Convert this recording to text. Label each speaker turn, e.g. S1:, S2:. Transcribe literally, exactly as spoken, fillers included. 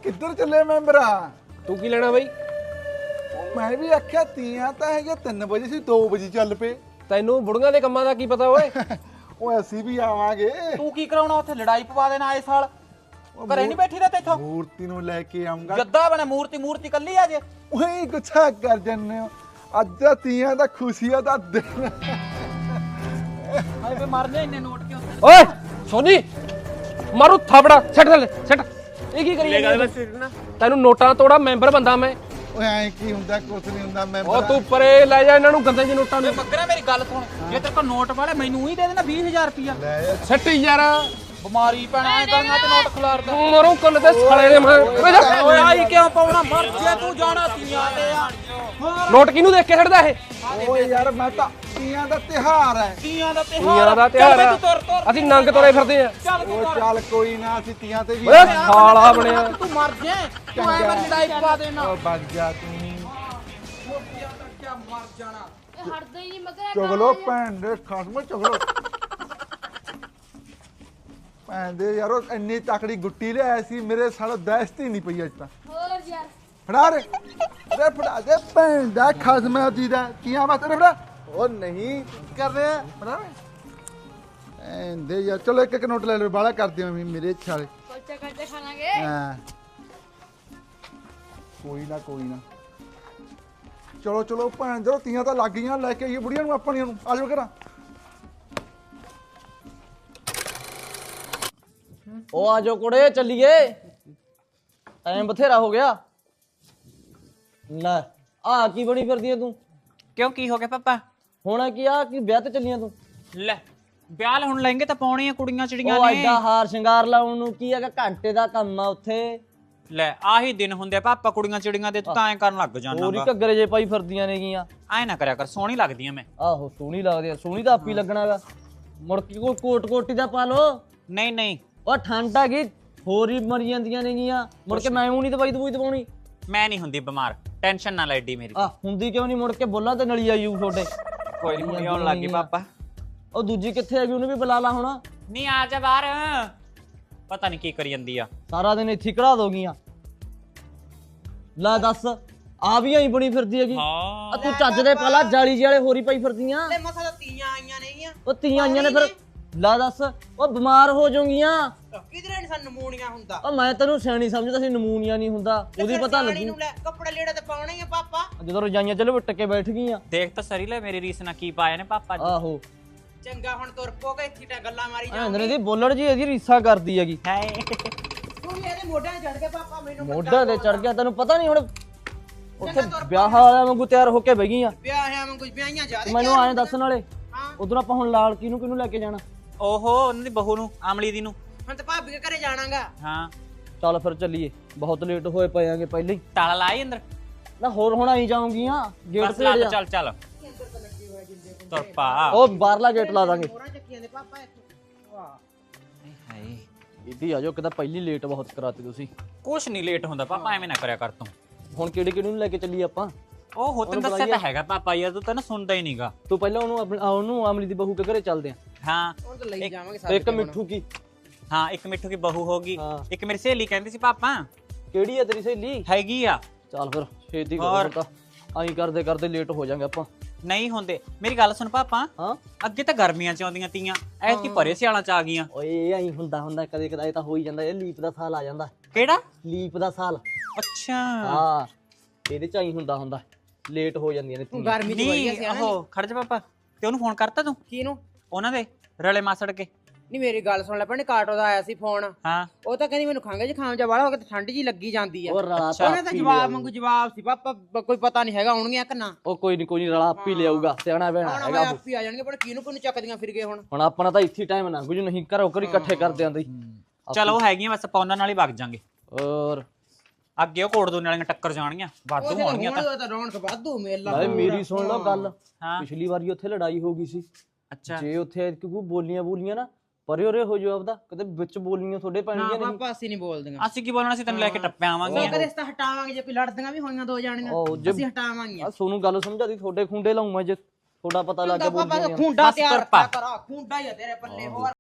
S1: ਕਿੱਧਰ ਚੱਲੇ ਮੈਂਬਰਾ?
S2: ਤੂੰ ਕੀ ਲੈਣਾ ਬਈ?
S1: ਮੈਂ ਵੀ ਆਖਿਆ ਤੀਆਂ ਤਾਂ ਹੈਗੇ ਤਿੰਨ ਵਜੇ ਸੀ ਦੋ ਵਜੇ ਚੱਲ ਪਏ।
S2: ਤੈਨੂੰ ਬੁੜੀਆਂ ਦੇ ਕੰਮਾਂ ਦਾ ਕੀ ਪਤਾ ਓਏ?
S1: ਓਏ ਅਸੀਂ ਵੀ ਆਵਾਂਗੇ।
S3: ਤੂੰ ਕੀ ਕਰਾਉਣਾ ਉੱਥੇ? ਲੜਾਈ ਪਵਾ ਦੇਣਾ ਆਏ ਸਾਲ। ਘਰੇ ਨਹੀਂ ਬੈਠੀ ਦਾ ਤੇਥੋਂ?
S1: ਮੂਰਤੀ ਨੂੰ ਲੈ ਕੇ ਆਉਂਗਾ।
S3: ਜੱਦਾ ਬਣੇ ਮੂਰਤੀ ਮੂਰਤੀ ਕੱਲੀ ਆ ਜੇ।
S1: ਓਏ ਗੁੱਸਾ ਕਰ ਜੰਨੇ ਹੋ। ਅੱਜ ਤਾਂ ਤੀਆਂ ਦਾ ਖੁਸ਼ੀਆਂ ਦਾ ਦਿਨ।
S3: ਹਾਏ ਵੇ ਮਰ ਜਾ ਇੰਨੇ ਨੋਟ ਕਿਉਂ?
S2: ਓਏ ਸੋਨੀ ਮਾਰੂ ਥਾਪੜਾ ਛੱਡ ਥੱਲੇ ਛੱਡ। ਇਹ ਕੀ ਕਰੀ ਜਾਂਦਾ? ਤੈਨੂੰ ਨੋਟਾਂ ਤੋੜਾ ਮੈਂਬਰ ਬੰਦਾ ਮੈਂ।
S1: ਓਏ ਐ ਕੀ ਹੁੰਦਾ? ਕੁਛ ਨਹੀਂ ਹੁੰਦਾ ਮੈਂਬਰ।
S2: ਉਹ ਤੂੰ ਪਰੇ ਲੈ ਜਾ ਇਹਨਾਂ ਨੂੰ ਗੰਦੇ ਜਿਹੇ ਨੋਟਾਂ ਨੂੰ।
S3: ਮੱਗਰਾ ਮੇਰੀ ਗੱਲ ਸੁਣ, ਜੇ ਤੇਰੇ ਕੋਲ ਨੋਟ ਵਾਲੇ ਮੈਨੂੰ ਹੀ ਦੇ ਦੇਣਾ ਵੀਹ ਹਜ਼ਾਰ ਰੁਪਇਆ।
S1: ਲੈ
S2: ਸੱਟ ਯਾਰ
S3: ਬਿਮਾਰੀ ਪੈਣਾ ਐ ਕਰਨਾ ਤੇ ਨੋਟ ਖਿਲਾਰਦਾ।
S2: ਮਰੂ ਕੁੱਲ ਦੇ ਸਾਲੇ ਦੇ ਮੈਂ।
S3: ਓਏ ਆਈ ਕਿਉਂ ਪਾਉਣਾ? ਮਰ ਜੇ ਤੂੰ ਜਾਣਾ ਤੀਆਂ ਤੇ ਆ।
S2: ਨੋਟ ਕਿਹਨੂੰ ਦੇਖ ਕੇ ਛੱਡਦਾ ਇਹ?
S1: ਓਏ ਯਾਰ ਮੈਂ ਤਾਂ ਤੀਆਂ ਦਾ ਤਿਹਾਰ ਹੈ।
S3: ਤੀਆਂ ਦਾ
S2: ਤੀਆਂ
S3: ਤਿਹਾਰ
S2: ਦਾ ਤਿਉਹਾਰ ਆ।
S3: ਤੂੰ ਤੁਰ ਤੁਰ
S2: ਅਸੀਂ ਨੰਗ ਤੁਰੇ ਫਿਰਦੇ ਆ।
S3: ਚੱਲ ਤੂੰ
S1: ਓਏ
S3: ਤੁਰ।
S1: ਚੱਲ ਕੋਈ ਨਾ ਅਸੀਂ ਤੀਆਂ ਤੇ ਵੀ
S2: ਓਏ ਸਾਲਾ ਬਣਿਆ।
S3: ਤੂੰ ਮਰ ਜੇ ਤੂੰ ਐ ਮੈਂ ਲੜਾਈ ਪਵਾ ਦੇਣਾ।
S1: ਓ ਵਗ ਜਾ ਤੂੰ।
S3: ਮੋਤੀਆਂ ਦਾ ਕਿਆ ਮਰ ਜਾਣਾ।
S4: ਇਹ ਹਟਦਾ ਹੀ ਨਹੀਂ ਮਗਰ
S1: ਚੁਗਲੋ ਭੈਣ ਦੇ ਖਸਮ ਚੁਗਲੋ। ਭੈਣ ਦੇ ਯਾਰੋ ਇੰਨੀ ਤਕੜੀ ਗੁੱਟੀ ਲਿਆਇਆ ਸੀ ਮੇਰੇ ਸਾਲ ਦਹਿਸ਼ਤ ਹੀ ਨਹੀਂ ਪਈ ਅੱਜ ਤਾਂ।
S4: ਹੋਰ ਯਾਰ
S1: ਫੜਾ ਰੇ ਰੇ ਫੜਾ ਦੇ ਭੈਣ ਦਾ ਖਸਮ ਦੀ ਦਾ ਕੀਆਂ ਬਾਤ ਰੇ ਫੜਾ। ਉਹ ਨਹੀਂ ਕਰ ਰਿਹਾ ਫੜਾ ਰੇ ਐਂ ਦੇ ਯਾਰ ਚਲੋ ਇੱਕ ਇੱਕ ਨੋਟ ਲੈ ਲਓ ਬਾਲਾ ਕਰਦੇ ਮੈਂ ਮੇਰੇ ਛਾਲੇ।
S4: ਕੋਚਾ ਕਰਦੇ ਖਾਣਾਗੇ।
S1: ਹਾਂ ਕੋਈ ਨਾ ਕੋਈ ਨਾ ਚਲੋ ਚਲੋ ਭੈਣ ਦੇ ਤੀਆਂ ਤਾਂ ਲੱਗ ਗਈਆਂ ਲੈ ਕੇ ਆਈਏ ਬੁੜੀਆਂ ਨੂੰ ਆਪਣੀਆਂ ਨੂੰ ਆ ਜਾਓ ਕਰਾਂ।
S5: ਉਹ ਆ ਜਾਓ ਕੁੜੇ ਚੱਲੀਏ, ਟਾਈਮ ਬਥੇਰਾ ਹੋ ਗਿਆ। ਲੈ ਆ ਕੀ ਬਣੀ ਫਿਰਦੀ ਐ ਤੂੰ?
S3: ਕਿਉਂ ਕੀ ਹੋ ਗਿਆ ਪਾਪਾ?
S5: ਹੁਣ ਕੀ ਆ ਕੀ ਵਿਆਹ ਤੇ ਚੱਲੀਆਂ ਤੂੰ?
S3: ਲੈ ਵਿਆਹ ਹੁਣ ਲਹਿੰਗੇ ਤਾਂ ਪਾਉਣੇ ਆ ਕੁੜੀਆਂ ਚਿੜੀਆਂ
S5: ਉਹ
S3: ਨੇ।
S5: ਐਡਾ ਹਾਰ ਸ਼ਿੰਗਾਰ ਲਾਉਣ ਨੂੰ ਕੀ ਹੈਗਾ? ਘੰਟੇ ਦਾ ਕੰਮ ਆ ਉੱਥੇ।
S3: ਲੈ ਆਹੀ ਦਿਨ ਹੁੰਦੇ ਆ ਪਾਪਾ ਕੁੜੀਆਂ ਚਿੜੀਆਂ ਦੇ, ਤੂੰ ਤਾਂ ਐਂ ਕਰਨ ਲੱਗ ਜਾਣਾ।
S5: ਹੋਰ ਹੀ ਘੱਗਰੇ ਜੇ ਪਾਈ ਫਿਰਦੀਆਂ ਨੇਗੀਆਂ।
S3: ਐ ਨਾ ਕਰਿਆ ਕਰ, ਸੋਹਣੀ ਲੱਗਦੀ ਆ ਮੈਂ।
S5: ਆਹੋ ਸੋਹਣੀ ਲੱਗਦੀ ਆ, ਸੋਹਣੀ ਤਾਂ ਆਪੀ ਲੱਗਣਾਗਾ। ਮੁੜ ਕੇ ਕੋਈ ਕੋਟ ਕੋਟੀ ਦਾ ਪਾ ਲੋ।
S3: ਨਹੀਂ ਨਹੀਂ
S5: ਉਹ ਠੰਡ ਹੈਗੀ ਹੋਰ ਹੀ ਮਰ ਜਾਂਦੀਆਂ ਨੇਗੀਆਂ। ਮੁੜ ਕੇ ਮੈਂ ਉਹ ਨਹੀਂ ਦਵਾਈ ਦਵਾਈ ਦਵਾਉਣੀ।
S3: ਮੈਂ ਨਹੀਂ ਹੁੰਦੀ ਬਿਮਾਰ, ਟੈਨਸ਼ਨ ਨਾ ਲੈ ਏਡੀ ਮੇਰੀ।
S5: ਆ ਹੁੰਦੀ ਕਿਉਂ ਨਹੀਂ? ਮੁੜ ਕੇ ਬੋਲਾਂ ਤੇ ਨਲੀ ਆਈ ਉਹ ਤੁਹਾਡੇ।
S3: ਕੋਈ ਨਹੀਂ ਆਉਣ ਲੱਗ ਗਈ ਪਾਪਾ।
S5: ਉਹ ਦੂਜੀ ਕਿੱਥੇ ਹੈਗੀ? ਉਹਨੂੰ ਵੀ ਬੁਲਾ ਲਾ ਹੁਣ।
S3: ਨਹੀਂ ਆ ਜਾ ਬਾਹਰ, ਪਤਾ ਨਹੀਂ ਕੀ ਕਰੀ ਜਾਂਦੀ ਆ।
S5: ਸਾਰਾ ਦਿਨ ਇੱਥੇ ਕਢਾ ਦੋਗੀਆਂ। ਲੈ ਦੱਸ ਆ ਵੀ ਆਈ ਬਣੀ ਫਿਰਦੀ ਹੈਗੀ।
S3: ਹਾਂ
S5: ਆ ਤੂੰ ਚੱਜ ਦੇ ਪਾਲਾ ਜਾਲੀ ਜਿਹੇ ਵਾਲੇ ਹੋਰੀ ਪਾਈ ਫਿਰਦੀਆਂ।
S6: ਤੇ ਮਸਾ ਤਾਂ ਤੀਆਂ ਆਈਆਂ ਨੇਗੀਆਂ।
S5: ਉਹ ਤੀਆਂ ਆਈਆਂ ਨੇ ਫਿਰ ਲੈ ਦੱਸ ਉਹ ਬਿਮਾਰ ਹੋ ਜਾਊਗੀਆਂ।
S6: ਕਿਧਰੇ ਨੀ ਸਾਨੂੰ ਨਮੂਨੀਆਂ ਹੁੰਦਾ।
S5: ਉਹ ਮੈਂ ਤੈਨੂੰ ਸਿਆਣੀ ਸਮਝਦਾ ਸੀ ਨਮੂਨੀਆ ਨਹੀਂ ਹੁੰਦਾ। ਉਹਦੀ ਪਤਾ
S6: ਸਿਆਣੀ
S5: ਲੱਗੀ
S6: ਨੂੰ ਲੈ ਕੱਪੜੇ ਲੀੜੇ ਤੇ ਪਾਉਣੇ ਹੀ ਆ ਪਾਪਾ।
S5: ਜਦੋਂ ਰਜਾਈਆਂ ਚਲੋ ਵਿਟ ਕੇ ਬੈਠ ਗਈਆਂ।
S3: ਦੇਖ ਤਾਂ ਸਰੀ ਲੈ ਮੇਰੀ ਰੀਸ ਨਾਲ ਕੀ ਪਾਇਆ ਨੇ ਪਾਪਾ ਜੀ।
S5: ਆਹੋ
S6: ਚੰਗਾ ਹੁਣ ਤੁਰ ਪੋਗੇ ਇੱਥੇ ਟਾ ਗੱਲਾਂ ਮਾਰੀ ਜਾ।
S5: ਐਂਦਰੇ ਦੀ ਬੋਲੜ ਜੀ ਇਹਦੀ ਰੀਸਾ ਕਰਦੀ ਹੈਗੀ।
S3: ਹਾਏ
S6: ਤੂੰ ਵੀ ਇਹਦੇ ਮੋਢਿਆਂ 'ਤੇ ਚੜ ਕੇ ਪਾਪਾ ਮੈਨੂੰ
S5: ਮੋਢਾ ਤੇ ਚੜ ਗਿਆ। ਤੈਨੂੰ ਪਤਾ ਨਹੀਂ ਹੁਣ ਉੱਥੇ ਵਿਆਹ ਵਾਲਿਆਂ ਵਾਂਗੂ ਤਿਆਰ ਹੋ ਕੇ ਬਹਿ ਗਈਆਂ।
S6: ਵਿਆਹ ਐਵੇਂ ਕੁਝ ਵਿਆਹੀਆਂ ਜਾ
S5: ਮੈਨੂੰ ਆਏ ਦੱਸਣ ਵਾਲੇ
S6: ਹਾਂ।
S5: ਉਧਰ ਆਪਾਂ ਹੁਣ ਲਾਲ ਕਿਹਨੂੰ ਕਿਹਨੂੰ ਲੈ ਕੇ ਜਾਣਾ?
S3: ਓਹੋ ਉਹਨਾਂ ਦੀ ਬਹੂ ਨੂੰ, ਆਮਲੀ ਦੀ ਨੂੰ।
S6: ਹੁਣ ਤਾਂ ਭਾਬੀ ਦੇ ਘਰੇ ਜਾਣਾਗਾ।
S3: ਹਾਂ
S5: ਚੱਲ ਫਿਰ ਚੱਲੀਏ, ਬਹੁਤ ਲੇਟ ਹੋਏ ਪਏ ਆਂਗੇ ਪਹਿਲਾਂ ਹੀ।
S3: ਤਾਲਾ ਲਾਈ ਅੰਦਰ।
S5: ਨਾ ਹੋਰ ਹੁਣ ਆਈ ਜਾਊਂਗੀਆਂ ਗੇਟ
S3: ਬਸ ਲਾ
S5: ਤੇ
S3: ਦੇ, ਚੱਲ ਚੱਲ ਤੁਰ ਪਾ।
S5: ਉਹ ਬਾਹਰਲਾ ਗੇਟ ਲਾ ਦਾਂਗੇ।
S6: ਹੋਰਾਂ ਚੱਕੀਆਂ ਦੇ ਪਾਪਾ ਇੱਥੇ। ਵਾਹ
S3: ਹਾਏ
S5: ਇੱਦੀ ਆ ਜਾਓ, ਕਿਦਾ ਪਹਿਲੀ ਲੇਟ ਬਹੁਤ ਕਰਾਤੀ ਤੁਸੀਂ।
S3: ਕੁਛ ਨਹੀਂ ਲੇਟ ਹੁੰਦਾ ਪਾਪਾ, ਐਵੇਂ ਨਾ ਕਰਿਆ ਕਰ ਤੂੰ।
S5: ਹੁਣ ਕਿਹੜੇ ਕਿਹੜੇ ਨੂੰ ਲੈ ਕੇ ਚੱਲੀਏ ਆਪਾਂ?
S3: ਉਹ ਹੋ ਤੈਨੂੰ ਦੱਸਿਆ ਤਾਂ ਹੈਗਾ ਪਾਪਾ ਯਾਰ, ਤੂੰ ਤਾਂ ਨਾ ਸੁਣਦਾ ਹੀ ਨਹੀਂਗਾ।
S5: ਤੂੰ ਪਹਿਲਾਂ ਉਹਨੂੰ ਆਪਣੀ ਆ ਉਹਨੂੰ ਆਮਲੀ ਦੀ ਬਹੂ ਕੇ ਘਰੇ ਚੱਲਦੇ ਆਂ।
S3: ਹਾਂ
S6: ਹੁਣ ਤਾਂ ਲਈ ਜਾਵਾਂਗੇ
S5: ਤੇ
S6: ਸਾਰੇ।
S5: ਇੱਕ ਮਿੱਠੂ ਕੀ?
S3: ਹਾਂ ਇੱਕ ਮਿੱਠੂ ਕੀ ਬਹੂ ਹੋਗੀ।
S5: ਹਾਂ।
S3: ਇੱਕ ਮੇਰੀ ਸਹੇਲੀ ਕਹਿੰਦੀ ਸੀ ਪਾਪਾ
S5: ਕਿਹੜੀ ਆ ਤੇਰੀ ਸਹੇਲੀ?
S3: ਹੈਗੀ ਆ।
S5: ਚੱਲ ਫਿਰ ਛੇਤੀ
S3: ਹੋਰ।
S5: ਕਰੋ ਤਾਂ ਆਈ ਕਰਦੇ ਕਰਦੇ ਲੇਟ ਹੋ ਜਾਾਂਗੇ ਆਪਾਂ।
S3: ਨਹੀਂ ਹੁੰਦੇ, ਮੇਰੀ ਗੱਲ ਸੁਣ ਪਾਪਾ।
S5: ਹਾਂ
S3: ਅੱਗੇ ਤਾਂ ਗਰਮੀਆਂ ਚ ਆਉਂਦੀਆਂ ਤੀਆਂ, ਐਤਕੀ ਭਰੇ ਸਿਆਲਾਂ ਚ ਆ ਗਈਆਂ।
S5: ਓਏ ਆਈ ਹੁੰਦਾ ਹੁੰਦਾ ਕਦੇ ਕਦਾਏ ਤਾਂ ਹੋ ਹੀ ਜਾਂਦਾ। ਇਹ ਲੀਪ ਦਾ ਸਾਲ ਆ ਜਾਂਦਾ।
S3: ਕਿਹੜਾ?
S5: ਲੀਪ ਦਾ ਸਾਲ।
S3: ਅੱਛਾ
S5: ਹਾਂ ਇਹਦੇ ਚ ਆਈ ਹੁੰਦਾ ਹੁੰਦਾ ਲੇਟ ਹੋ ਜਾਂਦੀਆਂ ਨੇ
S6: ਤੂੰ
S5: ਤੀਆਂ।
S6: ਗਰਮੀ 'ਚ ਵਈਆ
S3: ਨਹੀਂ
S6: ਸਿਆਣਾ।
S3: ਉਹ ਖੜ ਜਾ ਪਾਪਾ, ਤੇ ਉਹਨੂੰ ਫੋਨ ਕਰਤਾ ਤੂੰ?
S6: ਕਿਹਨੂੰ?
S3: ਉਹਨਾਂ ਦੇ ਰਲੇ ਮਾਸੜ ਕੇ।
S6: ਨਹੀਂ ਮੇਰੀ ਗੱਲ ਸੁਣ ਲੈ ਭੈਣੇ, ਕਾਟੋ ਦਾ ਆਇਆ ਸੀ ਫੋਨ।
S3: ਹਾਂ
S6: ਉਹ ਤਾਂ ਕਹਿੰਦੀ ਮੈਨੂੰ ਖੰਘ ਜ਼ੁਕਾਮ ਜਾ ਵਾਲਾ ਹੋ ਗਿਆ ਤੇ ਠੰਡ ਜੀ ਲੱਗੀ ਜਾਂਦੀ ਆ।
S5: ਉਹ ਰਲਾ
S3: ਅੱਛਾ।
S6: ਉਹਨੇ ਤਾਂ ਜਵਾਬ ਮੰਗੂ ਜਵਾਬ ਸੀ ਪਾਪਾ, ਬ- ਕੋਈ ਪਤਾ ਨਹੀਂ ਹੈਗਾ ਆਉਣਗੀਆਂ ਕਿ ਨਾ।
S5: ਉਹ ਕੋਈ ਨਹੀਂ ਕੋਈ ਨਹੀਂ ਰਲਾ ਆਪੀ ਲਿਆਊਗਾ। ਸਿਆਣਾ ਬਹਿਣਾ
S6: ਹੁਣ
S5: ਹੈਗਾ ਉਹ।
S6: ਆਪੀ ਆ ਜਾਣਗੇ, ਪਰ ਕਿਹਨੂੰ ਕਿਹਨੂੰ ਚੱਕਦੀਆਂ ਫਿਰ ਗਏ ਹੁਣ।
S5: ਹੁਣ ਆਪਣਾ ਤਾਂ ਇੱਥੇ ਟਾਈਮ ਨਾ ਕੁਝ ਨਹੀਂ ਘਰੋਂ ਘਰੀ ਇਕੱਠੇ ਕਰਦੇ ਆਂਦੇ।
S3: ਚਲੋ ਹੈਗੀਆਂ, ਬਸ ਆਪਾਂ ਉਹਨਾਂ ਨਾਲ ਹੀ ਵਗ ਜਾਾਂਗੇ।
S5: ਔਰ
S3: ਅੱਗੇ ਉਹ ਕੋੜ ਦੋਨੇ ਵਾਲੀਆਂ ਟੱਕਰ ਜਾਣਗੀਆਂ, ਵਾਧੂ ਹੋਣਗੀਆਂ ਤਾਂ।
S6: ਹੁਣ ਤਾਂ ਰੌਣਕ ਵਾਧੂ ਮੇਲਾ।
S5: ਨਾਲੇ ਮੇਰੀ ਸੁਣ ਲਓ ਗੱਲ।
S3: ਹਾਂ
S5: ਪਿਛਲੀ ਵਾਰੀ ਉੱਥੇ ਲੜਾਈ ਹੋ ਗਈ ਸੀ।
S3: ਅੱਛਾ
S5: ਜੇ ਉੱਥੇ ਕਿਉਂਕਿ ਬੋਲੀਆਂ ਬੋਲੀਆਂ ਨਾ ਪਰੇ ਉਰੇ ਹੋ ਜਾਓ ਆਪਦਾ, ਕਿਤੇ ਵਿੱਚ ਬੋਲੀਆਂ ਤੁਹਾਡੇ
S6: ਨਾ
S5: ਪੈਣਗੀਆਂ ਨਹੀਂ।
S6: ਪਾਪਾ ਅਸੀਂ ਨਹੀਂ ਬੋਲਦੀਆਂ।
S3: ਅਸੀਂ ਕੀ ਬੋਲਣਾ ਸੀ, ਤੈਨੂੰ ਲੈ ਕੇ ਟੱਪੇ ਆਵਾਂਗੇ।
S6: ਕਦੇ ਇਸ ਤਾਂ ਹਟਾਵਾਂਗੇ, ਜੇ ਕੋਈ ਲੜਦੀਆਂ ਵੀ ਹੋਈਆਂ ਦੋ ਜਾਣੀਆਂ
S5: ਉਹ ਜੇ
S6: ਅਸੀਂ ਹਟਾਵਾਂਗੇ।
S5: ਆ ਸੋਨੂੰ ਗੱਲ ਸਮਝਾਦੀ, ਤੁਹਾਡੇ ਖੁੰਡੇ ਲਾਉਂ ਮੈਂ ਜੇ ਥੋੜਾ ਪਤਾ ਲੱਗ ਗਿਆ
S6: ਪਾਪਾ
S5: ਬੋਲੀਆਂ।
S6: ਖੁੰਡਾ
S3: ਬਸ
S6: ਤਿਆਰ
S3: ਤੁਰ ਪਾ।
S6: ਕਰ, ਖੁੰਡਾ ਹੀ ਆ ਤੇਰੇ ਪੱਲੇ ਹੋਰ।